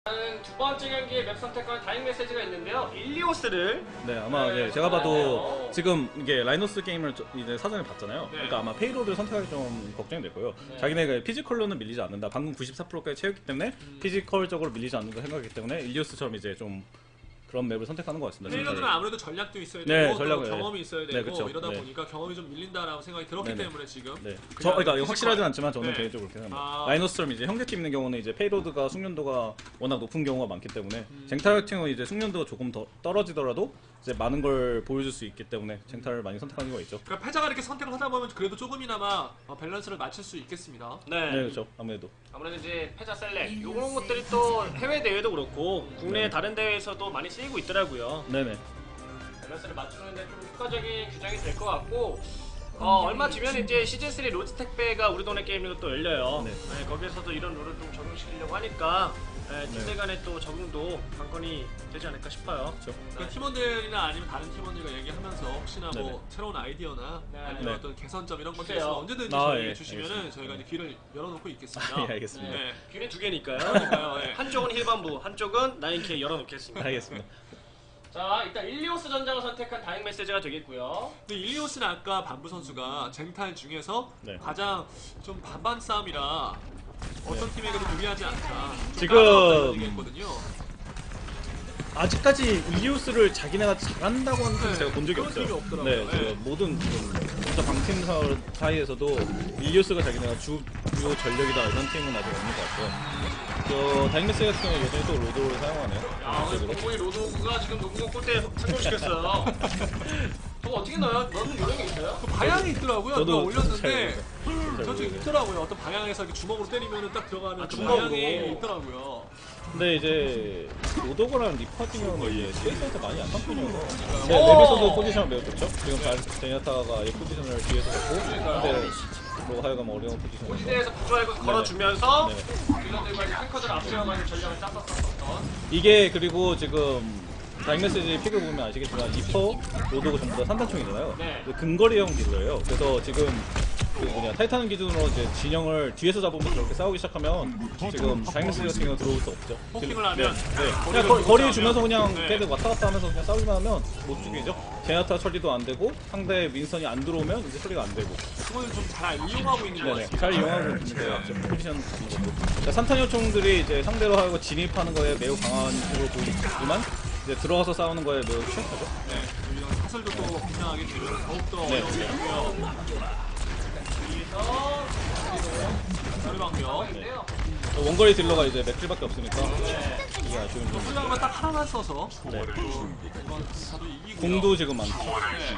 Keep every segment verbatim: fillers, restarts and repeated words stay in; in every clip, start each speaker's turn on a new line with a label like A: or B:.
A: 두 번째 경기의 맵 선택과는 다행 메시지가 있는데요. 일리오스를
B: 네 아마
A: 네,
B: 네, 제가 봐도
A: 네.
B: 지금 이게 라이노스 게임을 저, 이제 사전에 봤잖아요.
A: 네.
B: 그러니까 아마 페이로드를 선택하기 좀 걱정이 될 거예요.
A: 네.
B: 자기네가 피지컬로는 밀리지 않는다. 방금 구십사 퍼센트까지 채웠기 때문에
A: 음.
B: 피지컬적으로 밀리지 않는다 생각하기 때문에 일리오스처럼 이제 좀 그런 맵을 선택하는 것 같습니다.
C: 페이로드는 아무래도 전략도 있어야
B: 네,
C: 되고
B: 전략은,
C: 또 경험이 있어야 되고
B: 네, 그쵸.
C: 이러다
B: 네.
C: 보니까 경험이 좀 밀린다라고 생각이 들었기
B: 네네.
C: 때문에 지금
B: 네.
C: 그냥
B: 저 그러니까
C: 피지컬.
B: 확실하진 않지만 저는
C: 네.
B: 개인적으로 그렇게 생각합니다.
C: 아.
B: 라이노스처럼 이제 형제팀 있는 경우는 이제 페이로드가 숙련도가 워낙 높은 경우가 많기 때문에
C: 음.
B: 쟁탈 같은 경우는 이제 숙련도가 조금 더 떨어지더라도 이제 많은 걸 보여줄 수 있기 때문에 쟁탈을 많이 선택하는 경우가 있죠.
C: 그러니까 패자가 이렇게 선택을 하다 보면 그래도 조금이나마 어, 밸런스를 맞출 수 있겠습니다.
A: 네.
B: 네, 그렇죠. 아무래도.
A: 아무래도 이제 패자 셀렉 이런 것들이 또 해외 대회도 그렇고 국내
B: 네.
A: 다른 대회에서도 많이 쓰이고 있더라고요.
B: 네네.
A: 밸런스를 맞추는데 좀 효과적인 규정이 될 것 같고 어, 얼마 뒤면 이제 시즌 쓰리 로즈 택배가 우리 동네 게임으로 또 열려요.
B: 네.
A: 네, 거기에서도 이런 룰을 좀 적용시키려고 하니까 네, 팀들 간의 또 적응도 관건이 되지 않을까 싶어요.
B: 그렇죠.
C: 그러니까 팀원들이나 아니면 다른 팀원들과 얘기하면서 혹시나 뭐
B: 네네. 새로운
C: 아이디어나
A: 네.
C: 아니면
B: 네.
C: 어떤 개선점 이런 것들
A: 주세요.
C: 있으면 언제든지
B: 아,
C: 저희에게
B: 예,
C: 주시면은
B: 알겠습니다.
C: 저희가 이제 귀를 열어놓고 있겠습니다.
B: 예, 알겠습니다.
C: 네.
A: 균이 두 개니까요.
C: 그러니까요, 예.
A: 한쪽은 힐반부, 한쪽은 나인케이 열어놓겠습니다.
B: 알겠습니다.
A: 자, 일단 일리오스 전장을 선택한 다행 메시지가 되겠고요.
C: 근데 일리오스는 아까 반부 선수가 쟁탈 중에서
B: 네.
C: 가장 좀 반반 싸움이라 어떤
B: 네.
C: 팀에게도 유리하지 않다. 좀
B: 지금-
C: 까다롭다는 얘기했거든요.
B: 아직까지 일리오스를 자기네가 잘한다고 하는 팀
C: 네,
B: 제가 본 적이
C: 그런
B: 없어요.
C: 팀이 없더라고요.
B: 네,
C: 네.
B: 지금 모든 지금 진짜 방팀 사- 사이에서도 일리오스가 자기네가 주, 주요 전력이다 이런 팀은 아직 없는 것 같고요. 저 다잉메스 같은 경우는 여전히 또 로드를 사용하네요.
A: 야, 오늘
B: 전적으로.
A: 공공이 로드오그가 지금 농구 골대 성공시켰어요. 저거 어떻게 넣어요? 넣는 요령이 있어요?
C: 그 방향이 있더라고요.
B: 저도-
C: 누가
B: 저도
C: 올렸는데
B: 잘
C: 저
B: 모르겠어요.
C: 좀 있더라고요. 어떤 방향에서 이렇게 주먹으로 때리면 딱 들어가는
A: 아,
C: 그
A: 주먹으로.
C: 방향이 있더라고요.
B: 근데 이제 로더거랑 리퍼 같은 경우는 이제 스페이스에서 많이 약한 편이어서 제
A: 오!
B: 맵에서도 포지션을 매우 좋죠. 지금 제니아타가 이 포지션을 뒤에서 잡고 근데 뭐 하여간 어려운 포지션이어서
A: 포지대에서 부조하고 걸어주면서
B: 네네.
A: 딜러들과 이제 탱커들 앞세워가는 전략을 짰었었던.
B: 이게 그리고 지금 다잉메시지 픽을 보면 아시겠지만 리퍼, 로드고 전부 다 산단총이잖아요.
A: 네.
B: 근거리형 딜러예요. 그래서 지금 그 뭐냐 타이탄 기준으로 이제 진영을 뒤에서 잡으면서 저렇게 싸우기 시작하면 지금 다잉메시지 같은 경우 들어올 수 없죠.
C: 포킹을
B: 네,
C: 하면
B: 네.
C: 거리를
B: 그냥 거,
C: 주고
B: 거리
C: 싸우면.
B: 주면서 그냥
C: 네.
B: 걔들 왔다 갔다 하면서 그냥 싸우기만 하면 못 죽이죠. 제나타 처리도 안 되고 상대 윈선이 안 들어오면 이제 처리가 안 되고.
C: 그걸 좀 잘 이용하고 있는 것
B: 네네.
C: 같습니다.
B: 잘 이용하고 있는 것 같죠. 포지션 같은 것도. 그러니까 산탄 요청들이 이제 상대로 하고 진입하는 거에 매우 강한 쪽으로 보이지만 이제 들어가서 싸우는 거에 매우 취약하죠.
C: 네. 이런 사설도 또 긴장하게 되면 더욱더
B: 네.
C: 어려워지고요.
A: 여기서
C: 자리방벽.
A: 인데요.
B: 어, 원거리 딜러가 이제 맥킬밖에 없으니까 이게 아쉬운 점.
C: 훌륭하면 딱 하나만 써서
B: 네.
C: 또 이번 사도 이기고요.
B: 공도 지금 많죠.
C: 네.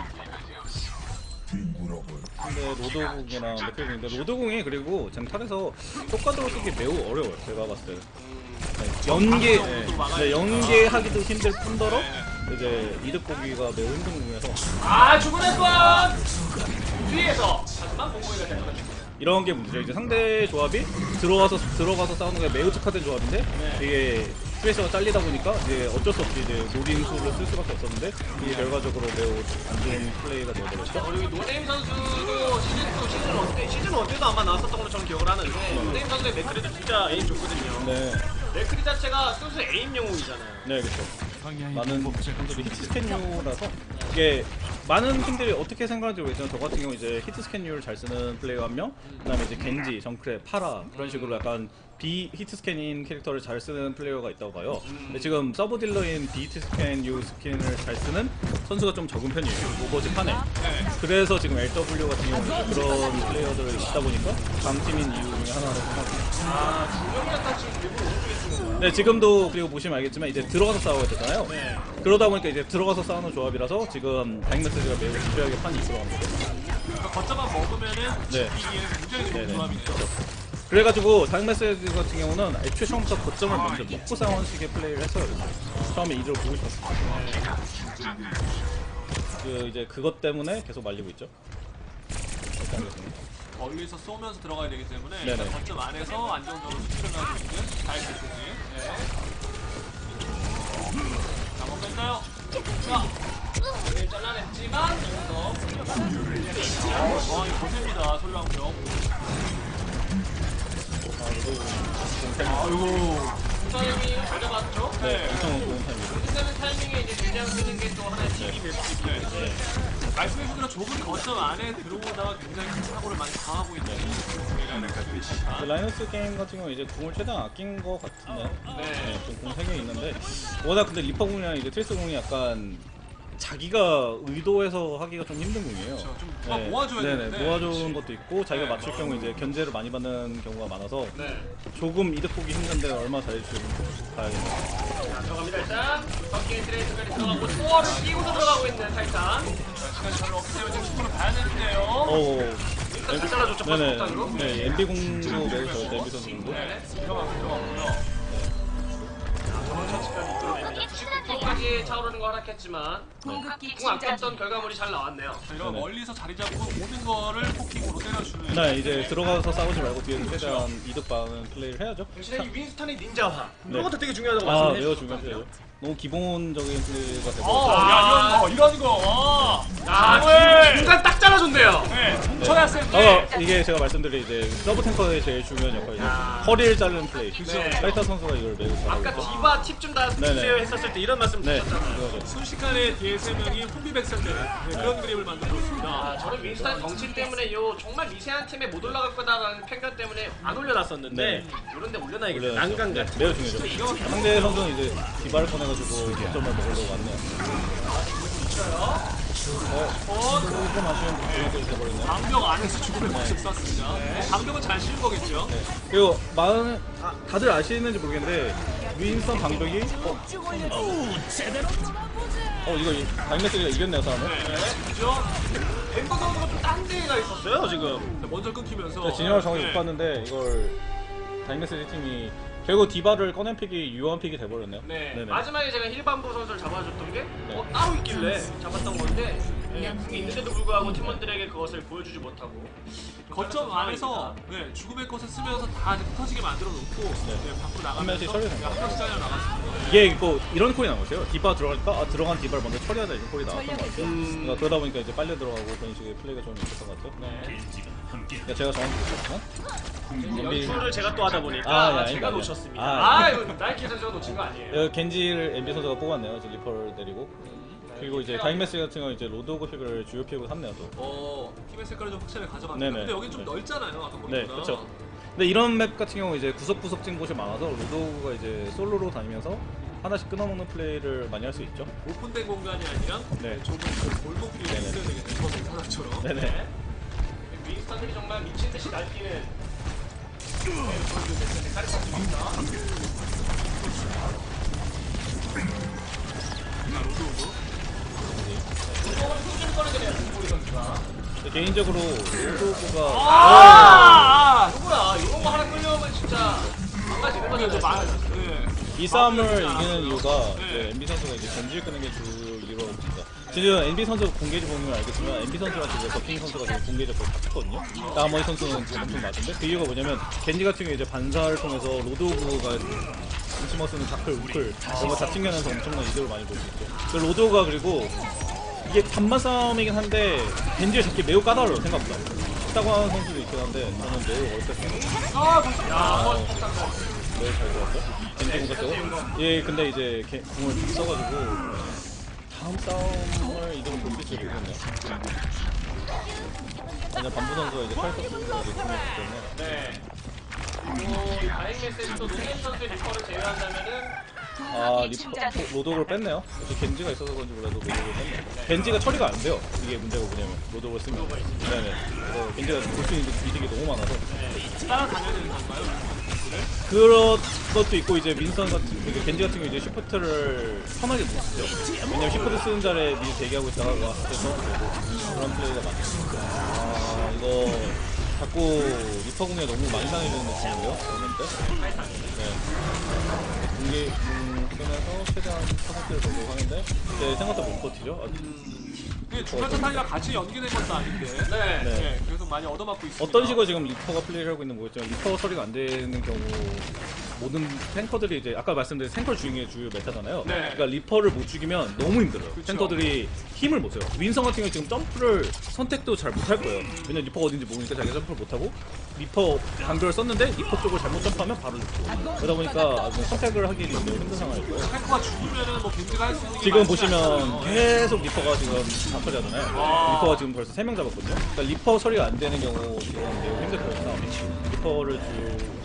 B: 근데 로드공이랑 맥킬인데 로드공이 그리고 쟁탈에서 효과적으로 쓰기 매우 어려워요. 제가 봤을 때. 네, 연계, 네, 네, 연계하기도 힘들 뿐더러 이제 이득 보기가 매우 힘든 공이어서
A: 아, 죽어낼 뻔! 뒤에서 하지만 공공이가 될 것 같습니다.
B: 이런 게 문제죠. 이제 상대 조합이 들어가서 들어가서 싸우는 게 매우 특화된 조합인데
A: 네.
B: 이게 스페이스가 잘리다 보니까 이제 어쩔 수 없이 이제 노린수를 쓸 수밖에 없었는데 이게 결과적으로 매우 안 좋은 플레이가 되어버렸죠.
A: 그리고 노네임 선수도 시즌 이, 시즌 일 때, 시즌 일 때도 아마 나왔었던 걸로 저는 기억을 하는데 노네임 선수의 맥크리도 진짜 에임 좋거든요.
B: 네,
A: 맥크리 자체가 순수 에임 영웅이잖아요.
B: 네 그렇죠. 많은 팀들이 히트 스캔류라서 이게 많은 팀들이 어떻게 생각하는지 모르겠지만 저 같은 경우 이제 히트 스캔류를 잘 쓰는 플레이어 한 명, 그다음에 이제 겐지, 정크레, 파라 그런 식으로 약간 비 히트 스캔인 캐릭터를 잘 쓰는 플레이어가 있다고 봐요. 근데 지금 서브 딜러인 비 히트 스캔류 스킨을 잘 쓰는 선수가 좀 적은 편이에요. 오버워치 판에. 그래서 지금 엘더블유 같은 경우는 그런 플레이어들이 있다 보니까 강팀인 이유 중에 하나라고 생각합니다.
A: 아, 중력자타 지금 일부러 오른쪽에 쓰는 거예요.
B: 네, 지금도 그리고 보시면 알겠지만 이제 들어가서 싸워야 되잖아요.
A: 네.
B: 그러다 보니까 이제 들어가서 싸우는 조합이라서 지금 다잉메시지가 매우 유리하게 판이 이끌어간 거죠.
C: 그러니까 거점만 먹으면은
B: 네.
C: 이기기에는 굉장히 좋은
B: 네네.
C: 조합이죠.
B: 그래가지고 다잉메시지 같은 경우는 애초에 처음부터 거점을 먼저 먹고 싸우는 식의 플레이를 했어요. 처음에 이대로 보고 싶었어요. 그 이제 그것 때문에 계속 말리고 있죠. 이렇게 하겠습니다.
C: 멀리서 쏘면서 들어가야 되기 때문에
B: 네네.
C: 일단 거점 안에서 안정적으로 수출을 하고 있는 다이캐스지. 네. 자, 한번 뺐나요?
A: 자, 오늘 잘라냈지만 여기서
C: 와, 이거 고셉니다. 소리방병.
B: 아, 그리고 좀
C: 아이고.
A: 타이밍을 잘 잡았죠?
B: 네, 엄청 좋은 타이밍이고.
A: 끝내는 타이밍에 이제 대장 쓰는 게 또 하나의 팁이 될 수 있는데
C: 말씀해주신 대로 좁은 거점 안에 들어오다가 굉장히 큰 사고를 많이 당하고 있는 공이라는 가지고 있습니다.
B: 그 라이너스 게임 같은 경우 이제 궁을 최대한 아낀 것 같은데,
A: 네.
B: 네, 좀궁 세 개 있는데 워낙 근데 리퍼 궁이랑 이제 트리스 궁이 약간 자기가 의도해서 하기가 좀 힘든 궁이에요.
C: 그렇죠. 좀 누가 모아줘야
B: 네네,
C: 되는데.
B: 모아주는 것도 있고 자기가
C: 네,
B: 맞출
C: 맞아요.
B: 경우 이제 견제를 많이 받는 경우가 많아서
A: 네.
B: 조금 이득 보기 힘든데 얼마나 잘해줄지 봐야겠네요.
A: 자, 들어갑니다 일단. 덕기의 트레이스까지 들어가고 스코어를 끼고서 들어가고 있는 타이탄.
C: 시간이 별로 없기 때문에 지금 축구를 봐야 되는데요.
B: 오,
A: 일단 잘 잘라줬죠
B: 네네,
A: 퍼스트로.
B: 네, 엠비 궁도 매우 좋아요, 엠비 선수 궁도.
A: 네.
C: 들어가고 들어가고요.
A: 저번 처치까지 이끌어냅니다. 구십구 퍼센트까지 차오르는 거 허락했지만
D: 궁극기
A: 궁 아꼈던 결과물이 잘 나왔네요.
C: 자, 이런
B: 네네.
C: 멀리서 자리 잡고 모든 거를 포킹으로 때려주는.
B: 네, 이제 들어가서 싸우지 말고 뒤에서 최대한 이득 받는 플레이를 해야죠.
A: 당신의 이 윈스턴의 닌자화
B: 네.
A: 이런 것도 되게 중요하다고
B: 아,
A: 말씀해
B: 매우
A: 주셨거든요.
B: 중요하죠. 너무 기본적인 플레이가 되고.
C: 어,
A: 아.
C: 야, 이런 거, 이런 거.
A: 아,
C: 네.
A: 중간 딱 잘라줬네요.
C: 네,
B: 네.
C: 쳐놨을 때.
B: 어, 이게 제가 말씀드린 이제 서브 탱커의 제일 중요한 역할이죠.
A: 야.
B: 허리를 자르는 플레이.
A: 네.
B: 사이타 선수가 이걸 매우
A: 아까
B: 잘하고.
A: 디바 팁 좀 다
B: 네네.
A: 주세요 했었을 때 이런 말씀
B: 네,
A: 주셨잖아요.
B: 이거죠.
C: 순식간에 뒤에 세 명이 혼비백산되는 네, 그런 그림을 만들어줬습니다.
A: 아, 저는 윈스턴 덩치 때문에 요 정말 미세한 팀에 못 올라갈 거다라는 편견 때문에 안 올려놨었는데
B: 네.
A: 이런데 올려놔야겠다.
B: 올려놨죠.
A: 난간
B: 네,
A: 같은.
B: 매우 중요하죠. 상대 선수는 이제 디바를 꺼내가지고 득점을 먹으려고 왔네요. 어, 조금 아쉬운 부분이 돼버렸네요.
C: 방벽 안에서 죽음의 모습 썼습니다. 방벽은 잘 씌운 거겠죠.
B: 네. 그리고 많은 아, 다들 아시는지 모르겠는데 윈스턴 방벽이 어, 어 이거 다이메스가 이겼네요 싸움을.
C: 네, 그죠?
A: 엠버 선수가 좀 딴 데가 있었어요 지금.
C: 먼저 끊기면서.
B: 네, 진영을 정확히
C: 네.
B: 못 봤는데 이걸 다이메스 팀이 결국 디바를 꺼낸 픽이 유언 픽이 돼버렸네요.
A: 네.
B: 네네.
A: 마지막에 제가 힐반부 선수를 잡아줬던 게
B: 네.
A: 어, 따로 있길래 잡았던 건데 네, 궁이 있는데도 불구하고 팀원들에게 그것을 보여주지 못하고
C: 거점 안에서 네, 죽음의 꽃을 쓰면서 다 이제 흩어지게 만들어 놓고 네, 밖으로
B: 한 명씩
C: 나가면서
B: 처리된
C: 네, 한
B: 거예요.
C: 명씩 잘려 나갔습니다.
B: 이게 뭐 이런 콜이 나왔어요. 디바 들어가니까 아, 들어간 디바를 먼저 처리하자 이런 콜이 나왔던 것 같아요.
A: 음.
B: 그러니까 그러다 보니까 이제 빨려 들어가고 그런 식의 플레이가 좀 있었던 것 같아요.
A: 네.
B: 그러니까 제가 정확히 보셨나?
A: 연출을 제가 또 하다 보니까
B: 아, 예,
A: 제가
B: 아닙니다.
A: 놓쳤습니다.
B: 아,
A: 아, 이거 나이키 선수가 놓친 거 아니에요.
B: 여기 겐지를 엠비 선수가 뽑았네요. 이제 리퍼를 내리고 그리고 이제 다이메스 같은 경우 이제 로드오그 픽을 주요 픽으로 샀네요. 또.
C: 어, 팀의 색깔을 좀 확실히 가져갑니다.
B: 네네.
C: 근데 여긴 좀 넓잖아요. 아까 보니까.
B: 네, 그렇죠. 근데 이런 맵 같은 경우 이제 구석구석 찐 곳이 많아서 로드오그가 이제 솔로로 다니면서 하나씩 끊어먹는 플레이를 많이 할 수 있죠.
C: 오픈된 공간이 아니라
B: 네.
C: 좁은 그 골목길에
B: 네네.
C: 있어야 되겠네요. 거기 하나처럼.
B: 네네.
A: 네. 윈스턴들이 정말 미친 듯이 날뛰는
B: 근데 개인적으로 로드오그가
C: 아! 아!
A: 누구야 이런 거 하나 끌려오면 진짜 망가지는 거죠.
C: 그래도 말, 네.
B: 이 싸움을
C: 아,
B: 이기는 이유가
C: 네.
B: 이제 엠비 선수가 이제 겐지를 끄는 게 주 이유라고 봅니다. 지금 엠비 선수 공개지 보면 알겠지만 엠비 선수랑 지금 버킹 선수가 지금 공개적 거의 같거든요. 나머지 선수는 지금 엄청 낮은데 그 이유가 뭐냐면 겐지 같은 경우에 이제 반사를 통해서 로드오그가 인치머 쓰는 다클, 우클 이런 거 잡칭하면서 엄청난 이득을 많이 볼 수 있죠. 그 로드오그가 그리고 이게 단만 싸움이긴 한데 겐지를 잡기 매우 까다로워요 생각보다. 쉽다고 하는 선수도 있긴 한데 저는 매우 어렵게 생각해요.
C: 아, 벌써. 야,
B: 매우 잘 들어왔어요. 겐지 공같고 예, 근데 이제 게, 공을 다 써가지고 다음 싸움을 이동 볼수 있겠네요. 그냥 반부 선수가 이제 칼 선수가 이제 공했기 때문에
A: 네. 그리고 다행 메시지도 노현 선수의 리퍼를 제외한다면은
B: 아 리퍼 로드오그를 뺐네요. 혹시 겐지가 있어서 그런지 몰라도 로드오그를 뺐네요. 겐지가 처리가 안 돼요. 이게 문제가 뭐냐면 로드오그를 쓰면 네네. 그래서 겐지가 볼 수 있는 이득이 너무 많아서
C: 따라다녀야 되는 건가요?
B: 그런 것도 있고 이제 민선 같은 그 겐지 같은 경우 이제 시프트를 편하게 못 쓰죠. 왜냐면 시프트 쓰는 자리에 미리 대기하고 있다가 와서 그런 플레이가 많죠. 아 이거 자꾸 리퍼 공에 너무 많이 당해주는 느낌인데요. 그런데 네. 공개 음, 끄면서 최대한 퍼센트를 보려고 하는데 이제 생각보다 못 버티죠. 아,
C: 이게 중간 차탄이랑 같이 연계된 것도 아닌데.
A: 네.
B: 네.
C: 네, 계속 많이 얻어맞고 있습니다.
B: 어떤 식으로 지금 리퍼가 플레이를 하고 있는 거겠지만 리퍼 처리가 안 되는 경우 모든 탱커들이 이제 아까 말씀드린 탱커 중에 주요 메타잖아요.
C: 네.
B: 그러니까 리퍼를 못 죽이면 너무 힘들어요.
C: 그쵸.
B: 탱커들이 힘을 못 써요. 윈성 같은 경우 지금 점프를 선택도 잘 못 할 거예요. 왜냐면 리퍼가 어딘지 모르니까 자기가 점프를 못 하고 리퍼 간결을 썼는데 리퍼 쪽을 잘못 점프하면 바로 죽고. 그러다 보니까 아주 선택을 하기 너무 힘든 상황이고.
C: 탱커가 죽으면은 뭐 겐지가 할 수 있는 게
B: 지금
C: 많지
B: 보시면
C: 않아요.
B: 계속 리퍼가 지금 다 처리하잖아요.
C: 와.
B: 리퍼가 지금 벌써 세 명 잡았거든요. 그러니까 리퍼 처리가 안 되는 경우 지금 매우 힘들 거예요. 리퍼를 주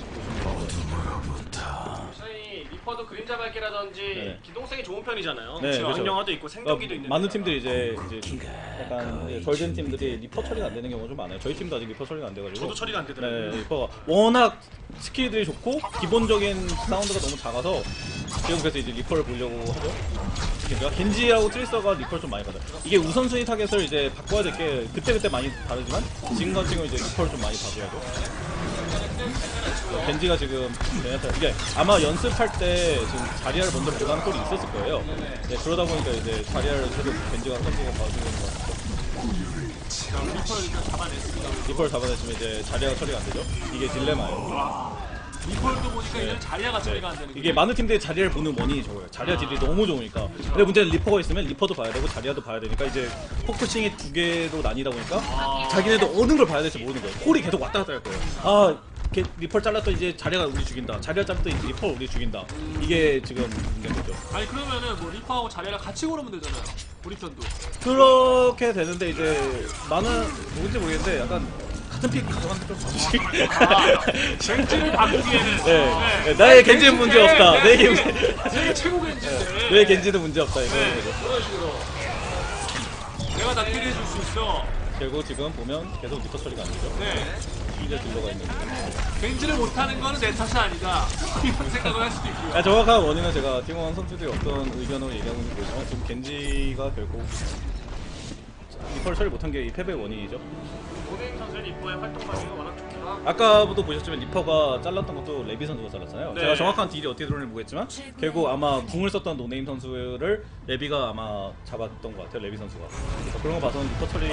A: 사실 리퍼도 그림자 밝기라든지
B: 네.
A: 기동성이 좋은 편이잖아요.
B: 네,
A: 그렇죠.
B: 그렇죠.
A: 안녕화도 있고 생존기도 있는.
B: 많은 팀들이 이제 이제 좀 약간 이제 덜된 팀들이 리퍼 처리가 안 되는 경우가 좀 많아요. 저희 팀도 아직 리퍼 처리가 안 돼가지고.
A: 저도 처리가 안 되더라고요.
B: 네, 리퍼가 워낙 스킬들이 좋고 기본적인 사운드가 너무 작아서 지금 그래서 이제 리퍼를 보려고 하죠. 겐지가 겐지하고 트리서가 리퍼를 좀 많이 받아요. 이게 우선순위 타겟을 이제 바꿔야 될 게 그때 그때 많이 다르지만 지금 같은 경우 이제 리퍼를 좀 많이 봐줘야죠. 겐지가 지금 베네타 이게 아마 연습할 때 지금 자리아를 먼저 보는 꼴이 있었을 거예요. 네, 그러다 보니까 이제 자리아를 계속 겐지가 선수가 봐주는 것 같아요.
C: 자, 리퍼를 일단 잡아냈습니다.
B: 리퍼를 잡아냈으면 이제 자리아가 처리가 안 되죠. 이게 딜레마예요.
C: 리퍼도 보니까 이제 자리아가
B: 네.
C: 처리가 안 되는
B: 이게 많은 팀들이 자리아를 보는 원인이 저거예요. 자리아 딜이 너무 좋으니까. 근데 문제는 리퍼가 있으면 리퍼도 봐야 되고 자리아도 봐야 되니까 이제 포커싱이 두 개로 나뉘다 보니까 자기네도 어느 걸 봐야 될지 모르는 거예요. 콜이 계속 왔다 갔다 할 거예요. 아, 걔 리퍼를 잘랐더니 이제 자리아가 우리 죽인다. 자리아 잘랐더니 이제 리퍼가 우리 죽인다. 이게 지금 문제인 거죠.
C: 아니 그러면은 뭐 리퍼하고 자리아를 같이 고르면 되잖아요. 우리 편도.
B: 그렇게 되는데 이제 나는 누군지 모르겠는데 약간 같은 픽 가져가는 게좀 정식.
C: 겐지를 바꾸기에는
B: 네. 네. 나의 겐지는 문제 없다. 내 겐지.
C: 세계 최고 겐지인데.
B: 내 겐지는 문제 없다 이거.
C: 네, 그런 식으로. 내가 다 킬해 줄 수 있어.
B: 결국 지금 보면 계속 리퍼 처리가 안 되죠.
C: 네.
B: 이제 딜러가 있는 거예요.
C: 겐지를 못하는 거는 내 탓이 아니다. 이런 생각을 할 수도 있고요.
B: 아, 정확한 원인은 제가 팀원 선수들이 어떤 의견으로 얘기하고 있는 거지만 지금 겐지가 결국 리퍼를 처리 못한 게 이 패배의 원인이죠.
A: 오네임 선수 리퍼의 활동 범위가 워낙 좋기도 하고.
B: 아까부터 보셨지만 리퍼가 잘랐던 것도 레비 선수가 잘랐잖아요.
A: 네.
B: 제가 정확한 딜이 어떻게 들어오는지 모르겠지만 결국 아마 궁을 썼던 노네임 선수를 레비가 아마 잡았던 것 같아요. 레비 선수가. 그래서 그런 거 봐서는 리퍼 처리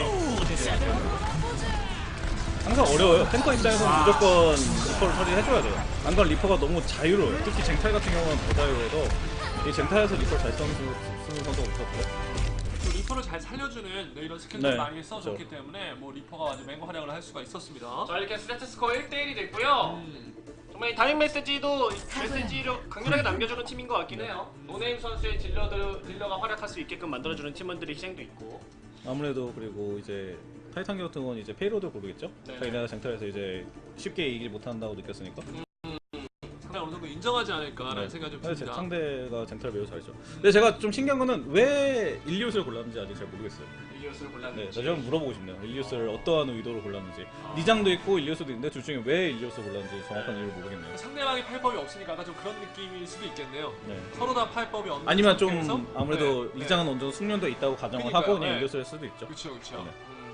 B: 항상 어려워요. 탱커 입장에서는 무조건 리퍼를 처리해줘야 돼요. 안 그러면 리퍼가 너무 자유로워요. 특히 쟁탈 같은 경우는 더 자유로워서 이 쟁탈에서 리퍼를 잘 쓰는, 쓰는 선수가 없었고요.
C: 또 리퍼를 잘 살려주는 네, 이런 스킬들
B: 네,
C: 많이 써줬기
B: 그렇죠.
C: 때문에 뭐 리퍼가 아주 맹고 활약을 할 수가 있었습니다.
A: 자 이렇게 스태트 스코어 일 대 일이 됐고요.
C: 음.
A: 정말 이 다행 메시지도 메시지를 강렬하게 남겨주는 팀인 것 같긴 해요. 노네임 선수의 딜러들, 딜러가 활약할 수 있게끔 만들어주는 팀원들의 희생도 있고.
B: 아무래도 그리고 이제 타이탄 같은 건 이제 페이로드 고르겠죠?
A: 네네.
B: 자기네가 쟁탈에서 이제 쉽게 이기지 못한다고 느꼈으니까.
C: 상당히 어느 정도 인정하지 않을까라는
B: 네.
C: 생각이 좀
B: 근데 제
C: 듭니다.
B: 상대가 쟁탈 매우 잘했죠. 근데 제가 좀 신기한 거는 왜 일리우스를 골랐는지 아직 잘 모르겠어요.
A: 일리오스를
B: 네,
A: 골랐는지.
B: 나 좀 물어보고 싶네요. 일리우스를 어떠한 의도로 골랐는지. 리장도 있고 일리우스도 있는데 둘 중에 왜 일리우스 골랐는지 정확한 이유를 모르겠네요.
C: 상대방이 팔법이 없으니까 아까 좀 그런 느낌일 수도 있겠네요.
B: 네.
C: 서로 다 팔법이 없는
B: 아니면
C: 상태에서?
B: 좀 아무래도
C: 네,
B: 리장은 어느 정도 숙련도 있다고 가정을
C: 그러니까요.
B: 하고 그냥
C: 네.
B: 일리우스를 수도 있죠.
C: 그렇죠, 그렇죠.
B: 네.
A: 음,